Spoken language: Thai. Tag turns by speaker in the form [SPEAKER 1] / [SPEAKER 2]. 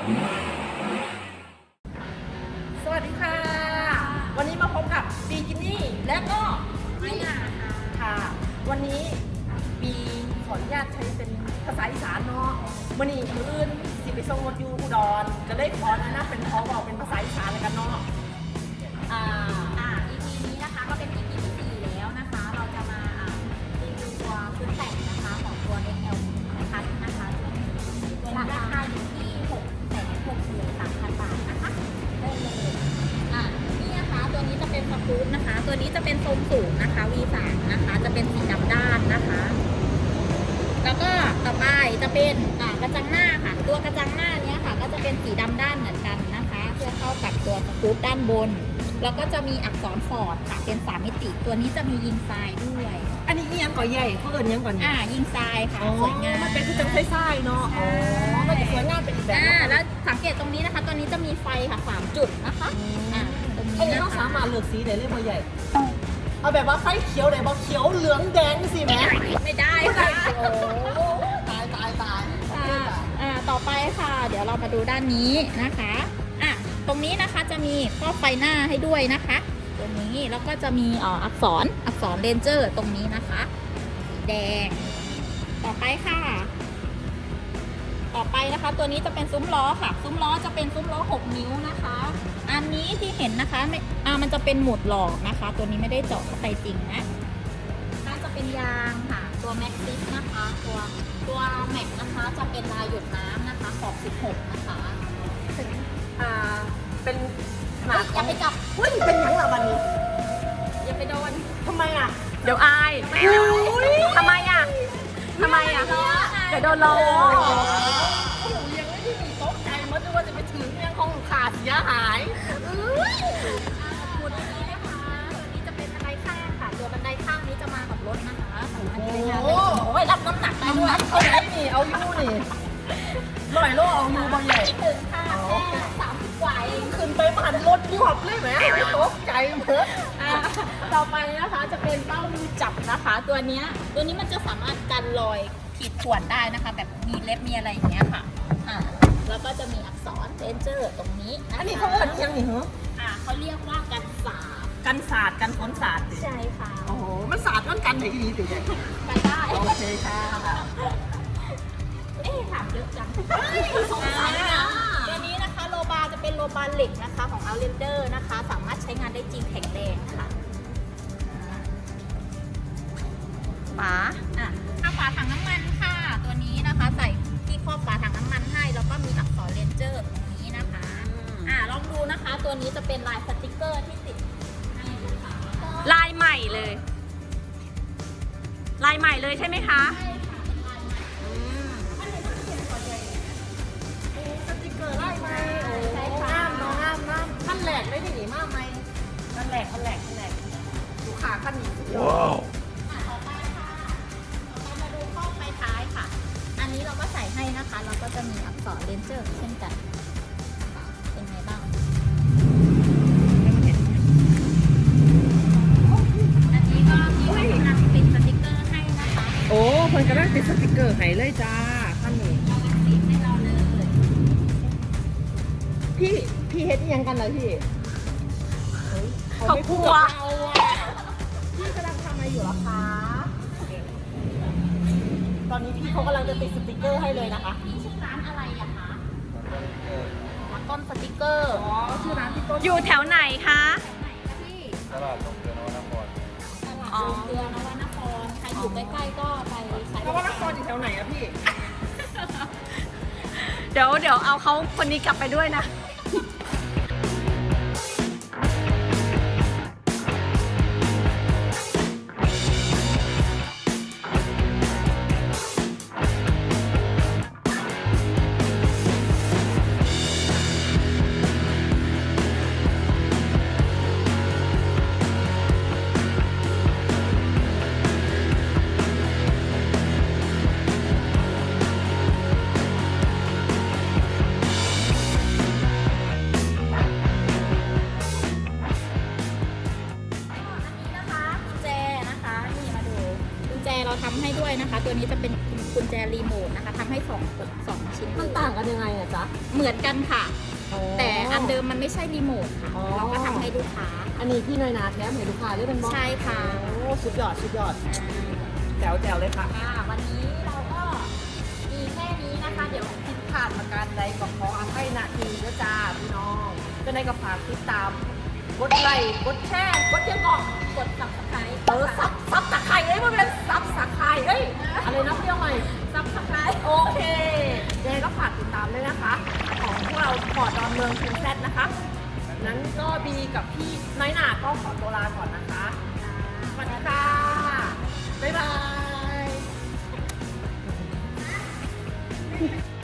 [SPEAKER 1] สวัสดีค่ะวันนี้มาพบกับบีกินี่และก็พี่ค่ะวันนี้บีขออนุญาตใช้เป็นภาษาอีสานเนาะมื่อนี้มืออื่นสิไปส่งรถอยู่อุดรก็เลยขอแนะนำเป็นบอกเป็นภาษาอีสานเลยกันเนาะ
[SPEAKER 2] EP นี้นะคะก็เป็น EP ที่4แล้วนะคะ เราจะมารีวิวตัวชุดแต่งนะคะของตัว XL นะคะตัวราคาอยู่ที่663,000 บาทนะคะเริ่มเลยนี่นะคะตัวนี้จะเป็นสกู๊ปนะคะ ตัวนี้จะเป็นทรงสูงนะคะ V3 นะคะจะเป็นสีดำด้านนะคะ แล้วก็ต่อไปจะเป็นกระจังหน้าค่ะตัวกระจังหน้าเนี้ยค่ะก็จะเป็นสีดำด้านเหมือนกันนะคะเพื่อเข้ากับตัวสกู๊ปด้านบนแล้วก็จะมีอักษรฟอร์ดค่ะเป็น3มิติตัวนี้จะมียิงทรายด้วย
[SPEAKER 1] อันนี้ยังก่อใหญ่เขาเอิญยังก่อน
[SPEAKER 2] ยิงทรายค่ะสวยงาม
[SPEAKER 1] มันเป็นคือจังไส้ๆเนาะมันจะสวยงามเป็นอีกแบบ
[SPEAKER 2] แล้วสังเกตตรงนี้นะคะตัวนี้จะมีไฟค่ะ3จุดนะคะ
[SPEAKER 1] ตรงนี้เราสามารถเลือกสีได้เลยบ่ใหญ่เอาแบบว่าไฟเขียวไหนบอกเขียวเหลืองแดงสิแม่
[SPEAKER 2] ไม่ได้ค่ะ
[SPEAKER 1] โอ้ตาย
[SPEAKER 2] ต่อไปค่ะเดี๋ยวเรามาดูด้านนี้นะคะตรงนี้นะคะจะมีครอบไฟหน้าให้ด้วยนะคะตัวนี้แล้วก็จะมีอักษรเรนเจอร์ตรงนี้นะคะสีแดงต่อไปค่ะตัวนี้จะเป็นซุ้มล้อค่ะซุ้มล้อจะเป็นซุ้มล้อ6 นิ้วนะคะอันนี้ที่เห็นนะคะมันจะเป็นหมุดหลอกนะคะตัวนี้ไม่ได้เจาะเข้าไปจริงนะน่าจะเป็นยางค่ะตัวแม็กซิสนะคะตัวแม็กนะคะจะเป็นลายหยดน้ำนะคะขอบ16นะคะ
[SPEAKER 1] เป็นขนาด
[SPEAKER 2] อย่าไปจับ
[SPEAKER 1] เป็นยังล่ะวันนี้
[SPEAKER 2] อย่าไปโดน
[SPEAKER 1] ทำไมอ่ะ
[SPEAKER 3] เดี๋ยวอายทำไมอ่ะเดี๋ยวโดนล้อ
[SPEAKER 1] ยังไม่ได้มีโต๊ะใจมันด้วยว่าจะไปถึงยังคงขาดเสียหาย
[SPEAKER 2] ตัวนี้นะคะตัวนี้จะเป็นบันไดข้างค่ะตัวบันไดข้างนี้จะมากับรถนะคะโอ้ยรับน้ำหนักได้ด้วย
[SPEAKER 1] เอาไหนนี่เอาอยู่นี่100 โลเอาอยู่บางใหญ่
[SPEAKER 2] ถึงค่ะแค่30 กว่าเอง
[SPEAKER 1] ขึ้นไปผ่านรถยวบเลยไหมโต๊ะใจเหมือน
[SPEAKER 2] ต่อไปนะคะจะเป็นเป้ามือจับนะคะตัวนี้มันจะสามารถกันรอยขีดข่วนได้นะคะแบบมีเล็บมีอะไรอย่างเงี้ยค่ะแล้วก็จะมีอักษรเรนเจอร์ตรงนี้
[SPEAKER 1] อันนี้เขาเรียกยังไงเหรอ
[SPEAKER 2] เขาเรียกว่ากันศาสตร์
[SPEAKER 1] กันฝนศาสตร์
[SPEAKER 2] ใช่ค่ะ
[SPEAKER 1] โอ้โหมันศาสตร์กันไหนดีสิ
[SPEAKER 2] กันได้
[SPEAKER 1] โอเคค่ะ
[SPEAKER 2] ถามเยอะจังสงสัยนะตัวนี้นะคะโลบาจะเป็นโลบาเหล็กนะคะของ Outlander นะคะสามารถใช้งานได้จริงแข็งแรงค่ะฝาถังน้ำมันค่ะตัวนี้นะคะใส่ที่ครอบฝาถังน้ำมันให้แล้วก็มีอักษรเรนเจอร์ตรงนี้นะคะลองดูนะคะตัวนี้จะเป็นลายสติกเกอร์ที่ติดให้นะคะ
[SPEAKER 3] ลายใหม่เลยใช่ไหมคะ
[SPEAKER 2] ใช่ค่ะเป็นลายใหม่
[SPEAKER 1] สติกเกอร์ลายใหม่ใช่ค่ะงามขั้นแหลกได้ดีมากไหมขั้นแหลกดูขาขั้นนี้
[SPEAKER 3] ว้าว
[SPEAKER 2] ต่อไปค่ะเรามาดูข้อไฟท้ายค่ะอันนี้เราก็ใส่ให้นะคะเราก็จะมีอักษรเรนเจอร์เช่นกันเป็นไงบ้างอันนี้ก็มีให้กำลังติดสติกเกอร์ให้นะคะ
[SPEAKER 1] โอ้คนกำลังติดสติกเกอร์ให้เลยจ้าขั้นนี้
[SPEAKER 2] เรากำลังติดให้เราเลย
[SPEAKER 1] พี่เฮ็ดยังกันเลยพี่
[SPEAKER 3] เขากลัว
[SPEAKER 1] พี่กำลังทำอะไรอยู่หรอคะตอนนี้พี่เขากำลังจะติดสติกเกอร์ให้เลยนะคะ
[SPEAKER 2] นี่ชื่อร้านอะไรอะคะต้นสติกเกอร์
[SPEAKER 1] ชื่อร้านพี่ต้น
[SPEAKER 3] อยู่แถวไหนคะ
[SPEAKER 4] ตลาดลงเกลือนวนคร
[SPEAKER 2] ตลาดลงเกลือนวนครใครอยู่ใกล้ๆก็ไปใช้
[SPEAKER 1] นวนครอยู่แถวไหนอะพี่
[SPEAKER 3] เดี๋ยวเอาเขาคนนี้กลับไปด้วยนะ
[SPEAKER 2] เราทำให้ด้วยนะคะตัวนี้จะเป็นกุญแจรีโมทนะคะทำให้2 ชิ้ชิ้น
[SPEAKER 1] มันต่างกันยังไงอะจ๊ะ
[SPEAKER 2] เหมือนกันค่ะ
[SPEAKER 1] อ๋อ
[SPEAKER 2] แต่อันเดิมมันไม่ใช่รีโมทค่ะ
[SPEAKER 1] อ๋อ
[SPEAKER 2] เราก็ทำให้ลูกค้า
[SPEAKER 1] อันนี้พี่น้อยนาแถมให้ลูกค้าด้วยเป็นบอส
[SPEAKER 2] ใช่ค่ะ
[SPEAKER 1] โอ้สุดยอดสุดยอดแจ๋วเลยค่ะ
[SPEAKER 2] วันนี้เราก็มีแค่นี้นะคะ เดี๋ยว
[SPEAKER 1] ผิดพลาดประการใดก็ขออภัยนะทีนะจ้าพี่น้องก็ได้ก็ฝากติดตาม กดไลค์กดแชร์กดยังก่อน
[SPEAKER 2] กด subscribe
[SPEAKER 1] ซับตะไคร้เอ้ยมันเป็นซับตะไคร้เอ้ยอะไรนะเรียกใหม่
[SPEAKER 2] subscribe
[SPEAKER 1] โอเคยังไงก็ฝากติดตามด้วยนะคะ ของพวกเราพอร์ตดอนเมืองพินแซดนะคะ นั้นก็บีกับพี่น้อยหนาก็ขอตัวลาก่อนนะคะสวัสดีค่ะ บ๊ายบาย